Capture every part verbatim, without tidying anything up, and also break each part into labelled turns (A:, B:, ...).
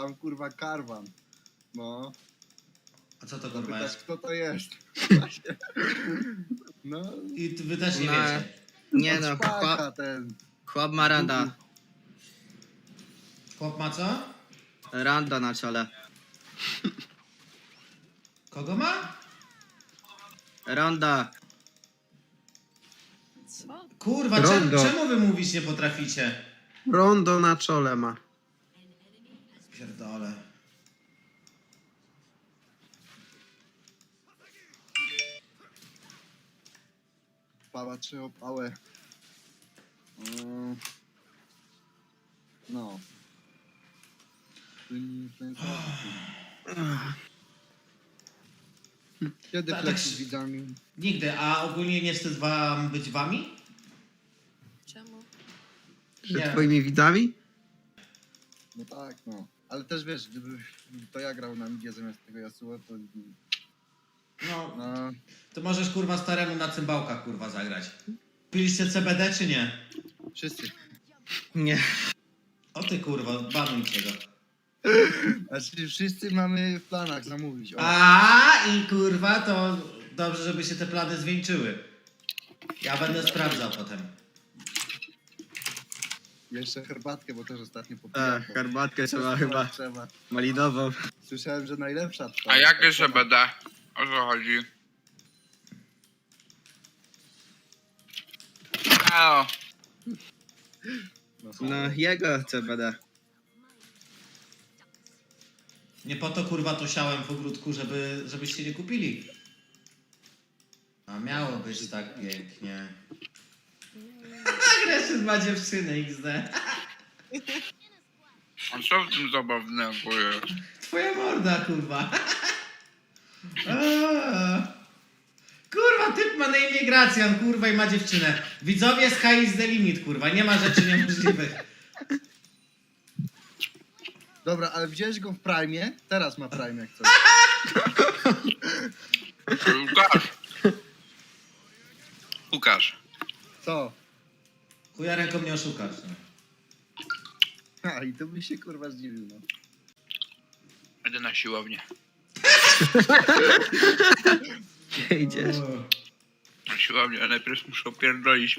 A: tam kurwa karwan. No.
B: A co to kurwa
A: Pytasz,
B: jest?
A: kto to jest? No.
B: I ty- wy też nie
C: No.
B: wiecie.
C: Nie
A: od
C: no,
A: szpaka
C: chłop,
A: ten.
C: chłop ma randa.
B: Chłop ma co?
C: Randa na czole.
B: Kogo ma?
C: Randa.
D: Co?
B: Kurwa, czemu,
E: Rondo.
B: czemu wy mówić nie potraficie?
E: Rondo na czole ma.
B: Pierdolę.
A: Pała czy opałę. Mm. No. Kiedy
B: Tak,
A: flexy
B: tak.
A: z widzami?
B: Nigdy, a ogólnie nie wstyd wam być wami?
D: Czemu?
E: Że
B: Nie.
E: twoimi widzami?
A: No tak, no. Ale też wiesz, gdyby to ja grał na midzie zamiast tego Yasuo, to...
B: No,
A: No,
B: to możesz kurwa staremu na cymbałkach kurwa zagrać. Piliście C B D czy nie?
A: wszyscy.
C: Nie.
B: O ty kurwa, banujcie go.
A: Znaczy wszyscy mamy w planach zamówić. O.
B: A i kurwa, to dobrze, żeby się te plany zwieńczyły. Ja będę sprawdzał potem.
A: Jeszcze herbatkę, bo też ostatnio popijam.
C: Ach, herbatkę trzeba chyba.
A: Trzeba.
C: Malinową.
A: Słyszałem, że najlepsza trwa.
F: A jakie C B D? O co chodzi? O,
A: No,
C: No jego C B D.
B: Nie po to kurwa to siałem w ogródku, żeby, żebyście nie kupili. A miało być tak pięknie. Agresjon ma dziewczynę X D.
F: a co w tym zabawnego jest?
B: Twoja morda kurwa. Eee. Kurwa, typ ma na imię Gracjan, kurwa i ma dziewczynę. Widzowie, sky is the limit, kurwa, nie ma rzeczy niemożliwych.
A: Dobra, ale wziąłeś go w Prime? Teraz ma Prime jak coś.
F: Łukasz! Łukasz,
A: Co?
B: Chuja ręką nie oszukasz. No.
A: A, i to by się kurwa zdziwił, no.
F: idę na siłownię.
C: Gdzie idziesz?
B: O.
F: Na siłownię, a najpierw muszę opierdolić.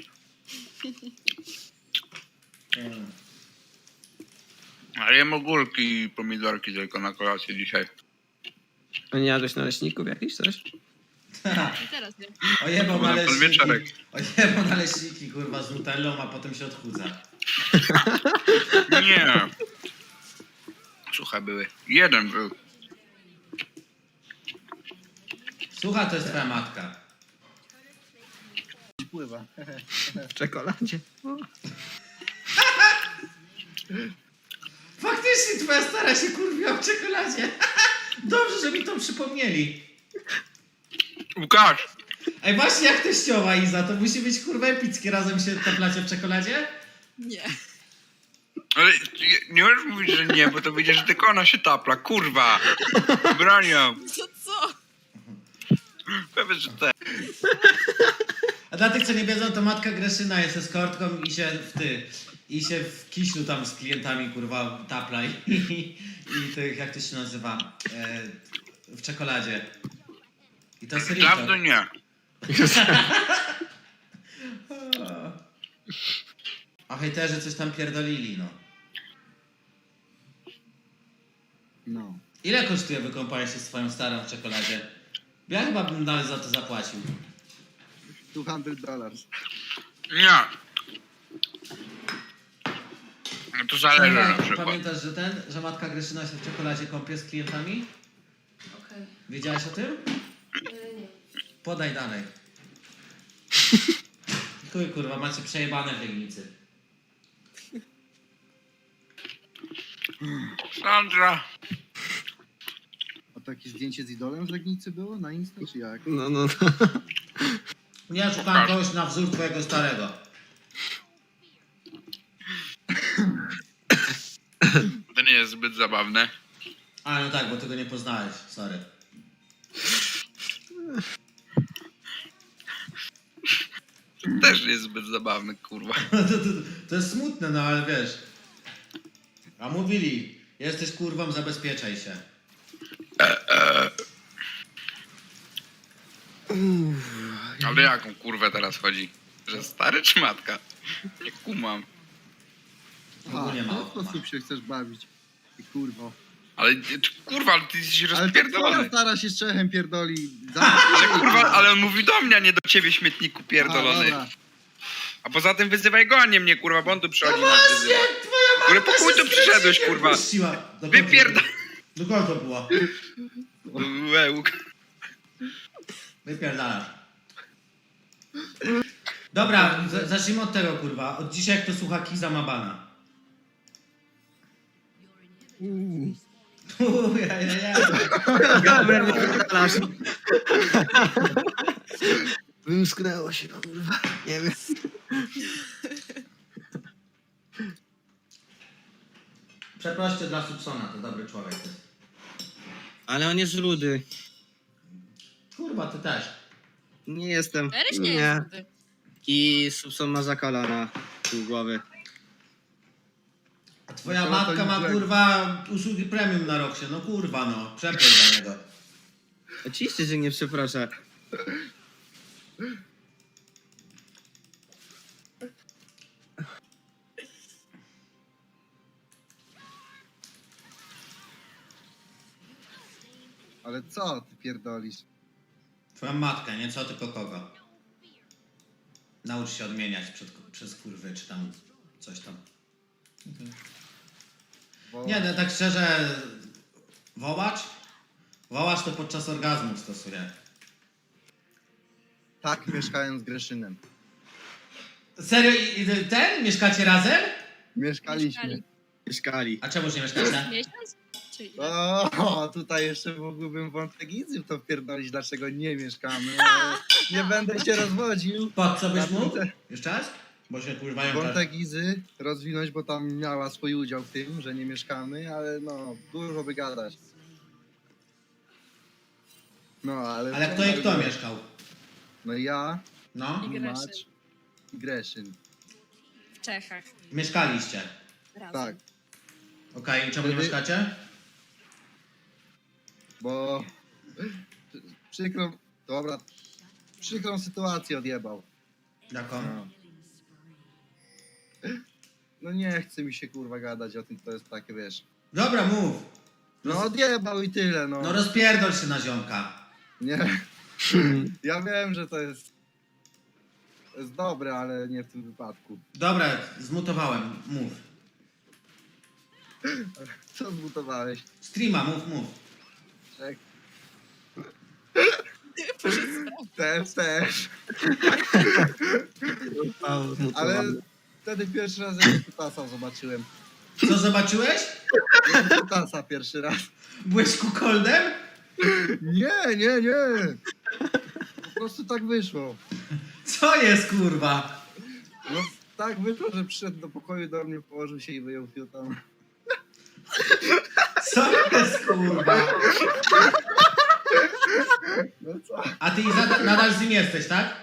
B: Mm.
F: Ale jem ogórki i pomidorki tylko na kolację dzisiaj.
E: A nie jadłeś naleśników jakiś coś?
D: I teraz nie.
B: Ojebał
F: Bo na
B: naleśniki.
F: podwieczorek.
B: Ojebał naleśniki, kurwa, z nutellą, a potem się odchudza.
F: Nie. Suche były. Jeden był.
B: Słucha, to jest twoja matka.
A: Pływa.
E: W czekoladzie.
B: Faktycznie twoja stara się kurwiła w czekoladzie. Dobrze, że mi to przypomnieli.
F: Łukasz!
B: Ej, właśnie jak teściowa Iza, to musi być kurwa epickie, razem się taplacie w czekoladzie?
D: Nie.
F: Ale nie- nie możesz mówić, że nie, bo to wyjdzie, że tylko ona się tapla. Kurwa! Bronią.
D: Co co?
F: Powiedz, że te.
B: A dla tych, co nie wiedzą, to matka Greszyna jest eskortką i się w ty... I się w kiślu tam z klientami, kurwa, tapla i, i, i tych, jak to się nazywa, e, w czekoladzie. I to jest
F: Dawno
B: rito.
F: nie.
B: A hejterzy coś tam pierdolili, no.
A: No.
B: Ile kosztuje wykąpanie się z twoją starą w czekoladzie? Ja chyba bym nawet za to zapłacił.
A: dwieście dolarów.
F: Nie. No to zależy na
B: Pamiętasz,
F: przykład.
B: pamiętasz, że ten, że matka Greszyna się w czekoladzie kąpie z klientami?
D: Okej.
B: Wiedziałaś o tym?
D: Okay. Nie.
B: Podaj dalej. Chuj, kurwa, macie przejebane w Legnicy.
F: Sandra.
A: A to jakieś zdjęcie z idolem z Legnicy było na Insta, czy jak?
E: No, no, no.
B: Ja szukam kogoś na wzór twojego starego.
F: To nie jest zbyt zabawne.
B: A, no tak, bo tego nie poznałeś, sorry.
F: To też nie jest zbyt zabawne, kurwa.
B: to, to, to jest smutne, no ale wiesz. A mówili, Jesteś kurwą, zabezpieczaj się.
F: Ale jaką kurwę teraz chodzi? Że stary czy matka? Nie kumam.
B: Ogólnie
A: w
B: mało
A: ten sposób się chcesz bawić. Ty kurwo.
F: Ale ty- kurwa, ale ty jesteś
A: Ale to twoja
F: rozpierdolony.
A: stara się z Czechem pierdoli.
F: Ale kurwa, ale on mówi do mnie, a nie do ciebie, śmietniku pierdolony.
A: dobra.
F: A poza tym wyzywaj go, a nie mnie, kurwa, bo on tu przychodzi
B: No
F: nas
B: właśnie,
F: wyzywa.
B: twoja
F: Kurwa,
B: matka
F: po chuj
B: się
F: tu
B: z
F: przyszedłeś,
B: Grzesikiem
F: kurwa?
B: puściła. Do końca
F: Wypierda...
B: było. Do końca było.
F: Łełk.
B: Wypierdalasz. Dobra, z- zacznijmy od tego, kurwa. Od dzisiaj kto słucha Kiza ma bana. Uuu, ja, ja, ja.
C: Gamer, nie wypierdalasz.
E: Wymsknęło się, kurwa. Nie wiem.
B: Przeproście dla Subsona, to dobry człowiek jest.
C: Ale on jest rudy.
B: Kurwa, ty też.
C: Nie jestem.
D: Eryś nie,
E: Nie.
D: jest ty.
C: I Subson ma zakola na pół głowy.
B: A twoja
A: No to
B: matka
A: to
B: ma,
A: źle.
B: kurwa, usługi premium na Roxie. No kurwa, no. Przeproś dla niego.
C: Oczywiście, że nie przeproszę.
A: Ale co ty pierdolisz?
B: Twoja matka, nie co, tylko kogo. Naucz się odmieniać przed, przez kurwy, czy tam coś tam.
A: Bo...
B: Nie, no tak szczerze, wołacz? Wołacz to podczas orgazmu stosuje.
A: Tak mieszkałem z Greszynem.
B: Serio, i- i ten? Mieszkacie razem?
A: Mieszkaliśmy.
D: Mieszkali.
C: Mieszkali.
B: A czemu nie mieszkacie?
D: Miesiąc? Czy ile?
A: O, tutaj jeszcze mógłbym wątek Izy w to wpierdolić, dlaczego nie mieszkamy. ale Nie będę się rozwodził.
B: Po co byś
A: Na
B: mógł?
A: tym
B: Jeszcze raz? Bo się kurwa ją
A: Wątek Izy rozwinąć, bo tam miała swój udział w tym, że nie mieszkamy, ale no, dużo by gadać. No, ale...
B: Ale kto i kto mieszkał?
A: No ja,
B: No?
D: I Greszyn.
A: Macz i Greszyn.
D: W Czechach.
B: Mieszkaliście.
D: Razem.
A: Tak,
B: Okej, i czemu nie
A: Wtedy-
B: mieszkacie?
A: bo przykrą, dobra, przykrą sytuację odjebał.
B: Jaką?
A: No. no nie chce mi się kurwa gadać o tym, to jest takie, wiesz.
B: Dobra, mów.
A: No odjebał i tyle, no.
B: No rozpierdol się na ziomka.
A: Nie. Ja wiem, że to jest, to jest dobre, ale nie w tym wypadku.
B: Dobra, zmutowałem. Mów.
A: Co zbutowałeś?
B: Streama, mów, mów.
A: Czek. Też, też. Ale wtedy pierwszy raz jak Kutasa zobaczyłem.
B: Co zobaczyłeś?
A: Jak Kutasa pierwszy raz.
B: Byłeś kukoldem?
A: Nie, nie, nie. Po prostu tak wyszło.
B: Co jest kurwa?
A: No tak wyszło, że przyszedł do pokoju do mnie, położył się i wyjął fiutam.
B: Co jest kurwa?
A: No co?
B: A ty Iza, nadal z nim jesteś, tak?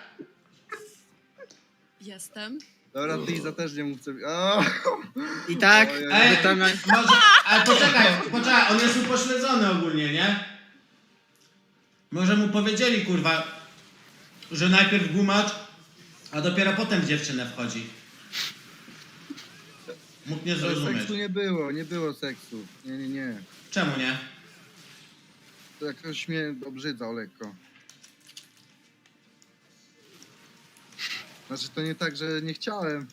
D: Jestem.
A: Dobra, ty Iza też nie mów co... O!
C: I tak,
A: Ojej.
B: Ej,
C: wy tam na...
B: może, ale poczekaj, poczekaj, on jest upośledzony ogólnie, nie? Może mu powiedzieli, kurwa, że najpierw gumacz, a dopiero potem w dziewczynę wchodzi. Mógł nie
A: Ale
B: zrozumieć.
A: seksu nie było, nie było seksu. Nie, nie, nie.
B: Czemu nie?
A: To jakoś mnie obrzydzał lekko. Znaczy to nie tak, że nie chciałem.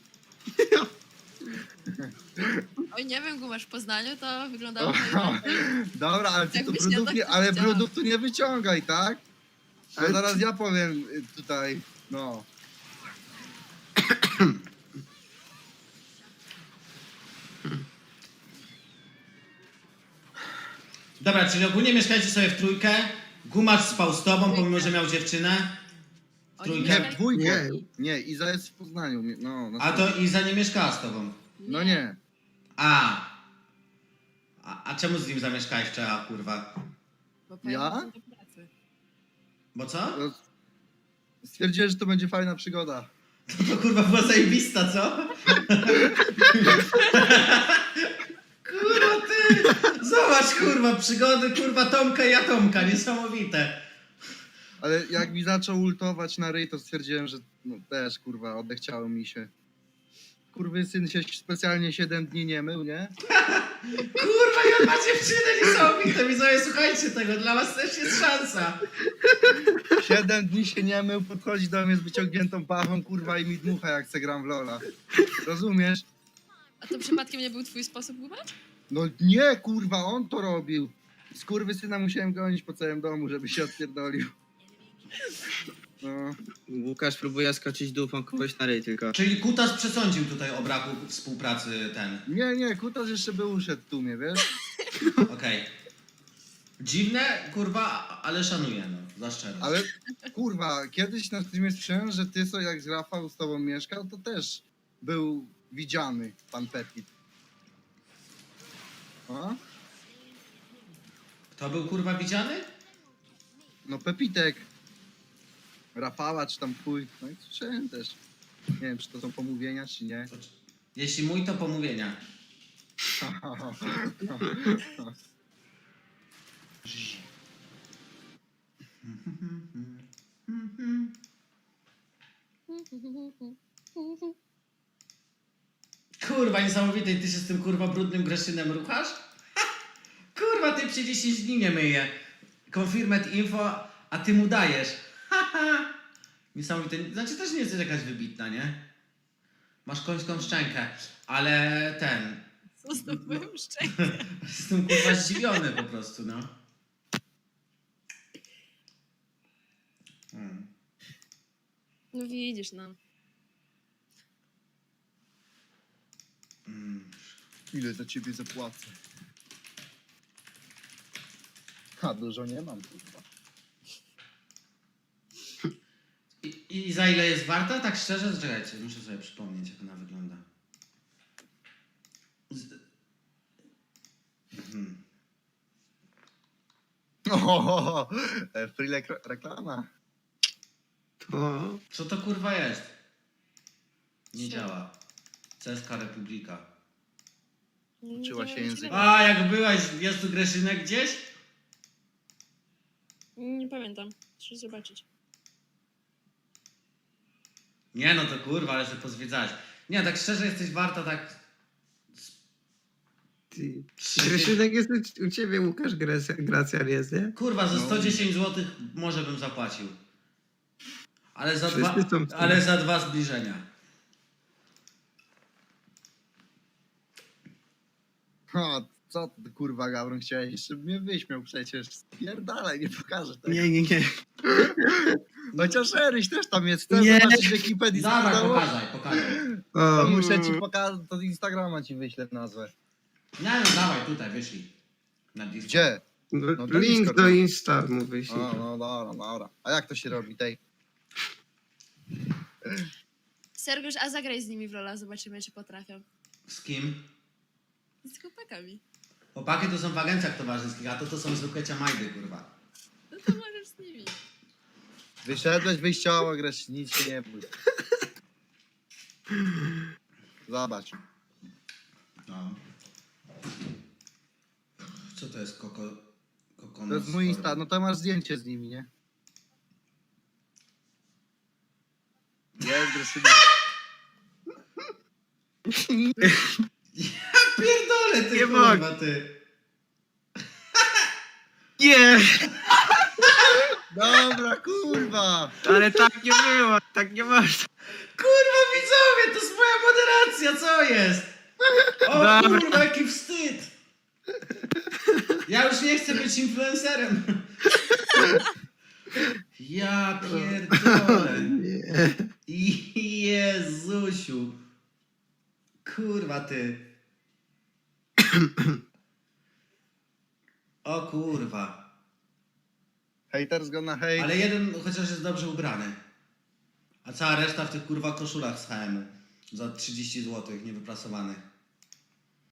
D: Oj, nie wiem, gumasz w Poznaniu, to wyglądało
A: O,
D: najlepiej.
A: dobra, ale ty tu
D: Jakbyś ja
A: brudów
D: tak
A: nie, ale
D: powiedziała.
A: brudów tu nie wyciągaj, tak? Bo
E: Ale
A: zaraz ja powiem y, tutaj, no.
B: Dobra, czyli ogólnie mieszkajcie sobie w trójkę, gumacz spał z tobą, pomimo że miał dziewczynę,
D: Oni
B: Trójkę.
A: Nie,
D: mieszkali-
A: w dwójkę.
E: Nie.
A: Nie, Iza jest w Poznaniu, nie- no. na
B: a
A: pewno.
B: to Iza nie mieszkała z tobą.
A: No nie.
B: A. A, a czemu z nim zamieszkałeś wczoraj, kurwa?
D: Bo pojechałam do pracy.
B: Bo co?
A: To stwierdziłem, że to będzie fajna przygoda.
B: To kurwa była zajebista, co? Kurwa ty! Zobacz, kurwa, przygody, kurwa, Tomka i Atomka, niesamowite.
A: Ale jak mi zaczął ultować na ryj, to stwierdziłem, że no też, kurwa, odechciało mi się. Kurwy syn się specjalnie siedem dni nie mył, nie?
B: Kurwa, ja ma dziewczynę, niesamowite, widzowie, słuchajcie tego, dla was też jest szansa.
A: siedem dni się nie mył, podchodzi do mnie z wyciągniętą pachą, kurwa, i mi dmucha, jak se gram w Lola. Rozumiesz?
D: A to przypadkiem nie był twój sposób, Gubasz?
A: No nie, kurwa, on to robił. Skurwysyna musiałem gonić po całym domu, żeby się odpierdolił. No.
C: Łukasz próbuje skoczyć dupą kogoś na ryj tylko.
B: Czyli Kutas przesądził tutaj o braku współpracy ten.
A: Nie, nie, Kutas jeszcze by uszedł w tłumie, wiesz?
B: Okej. Dziwne, kurwa, ale szanuję, no, za szczerość.
A: Ale kurwa, kiedyś na streamie słyszałem, że ty co jak z Rafał z tobą mieszkał, to też był widziany pan Pepit. A?
B: Kto był, kurwa, widziany?
A: No Pepitek. Rafała czy tam chuj. No i słyszałem też. Nie wiem, czy to są pomówienia, czy nie.
B: Jeśli mój, to pomówienia. Kurwa, niesamowite, i ty się z tym, kurwa, brudnym Greszynem ruchasz? Kurwa, ty przy dziesięć dni nie myje. Confirmed info, a ty mu dajesz. Niesamowite. Znaczy też nie jesteś jakaś wybitna, nie? Masz końską szczękę, ale ten...
D: Co z tobą szczęście?
B: Jestem, kurwa, zdziwiony po prostu, no. Hmm.
D: No widzisz, no.
B: Mm.
A: Ile za ciebie zapłacę? A dużo nie mam, kurwa.
B: I, I za ile jest warta? Tak szczerze? Czekajcie, muszę sobie przypomnieć, jak ona wygląda. Z... Mhm.
A: O, freelek reklama.
E: To...
B: Co to, kurwa, jest? Nie
D: Co?
B: działa. Ceska Republika.
A: Uczyła się
D: Nie wiem,
A: języka.
B: A, jak byłaś, jest tu Greszynek gdzieś?
D: Nie pamiętam. Trzeba zobaczyć.
B: Nie, no to kurwa, ale sobie pozwiedzać. Nie, tak szczerze jesteś warta tak...
E: Ty...
B: trzy-
E: Greszynek jest u, u ciebie, Łukasz Gracja, Gracjan jest, nie?
B: Kurwa, za
A: No.
B: sto dziesięć złotych może bym zapłacił. Ale za,
E: Wszyscy
B: dwa,
E: są w tym.
B: ale za dwa zbliżenia.
A: O, co ty, kurwa, Gawron, chciałeś jeszcze mnie wyśmiał przecież. Pierdalaj, nie pokażę tego.
C: Nie, nie, nie.
A: Chociaż Eryś też tam jest. Chcesz
C: Nie.
A: zobaczyć ekipę
B: Dawaj,
A: Discordowo?
B: pokazaj, pokazaj.
A: To
E: O,
A: muszę ci pokazać, to z Instagrama ci wyślę nazwę.
B: Nie, no dawaj, tutaj, wyszli. Na Discord.
A: Gdzie?
E: no,
A: No to
E: link
A: Discord,
E: do
A: no.
E: Insta mu wyślij.
A: O, no dobra, dobra. A jak to się robi tej?
D: Sergiusz, a zagraj z nimi w Lola, zobaczymy, czy potrafią.
B: Z kim?
D: Z chłopakami.
B: Chłopaki to są w agencjach towarzyskich, a to to są zwykłe ciamajdy, kurwa.
D: No to możesz z nimi.
A: Wyszedłeś wyjściowo, gresz, nic się nie bój. Zobacz.
B: No. Co to jest koko... koko
A: To jest mój Insta, no to masz zdjęcie z nimi, nie? Jest, Greszyna.
B: Pierdolę, ty,
C: Nie
B: kurwa, ty.
C: Nie!
A: Dobra, kurwa.
C: Ale tak nie było, tak nie można.
B: Kurwa, widzowie, to jest moja moderacja, co jest? O
C: Dobra.
B: kurwa, jaki wstyd. Ja już nie chcę być influencerem. Ja pierdolę.
E: Nie.
B: I Jezusiu. Kurwa, ty. O kurwa.
A: Haters go na hate.
B: Ale jeden chociaż jest dobrze ubrany. A cała reszta w tych kurwa koszulach z H M-u. Za trzydzieści złotych, niewyprasowanych.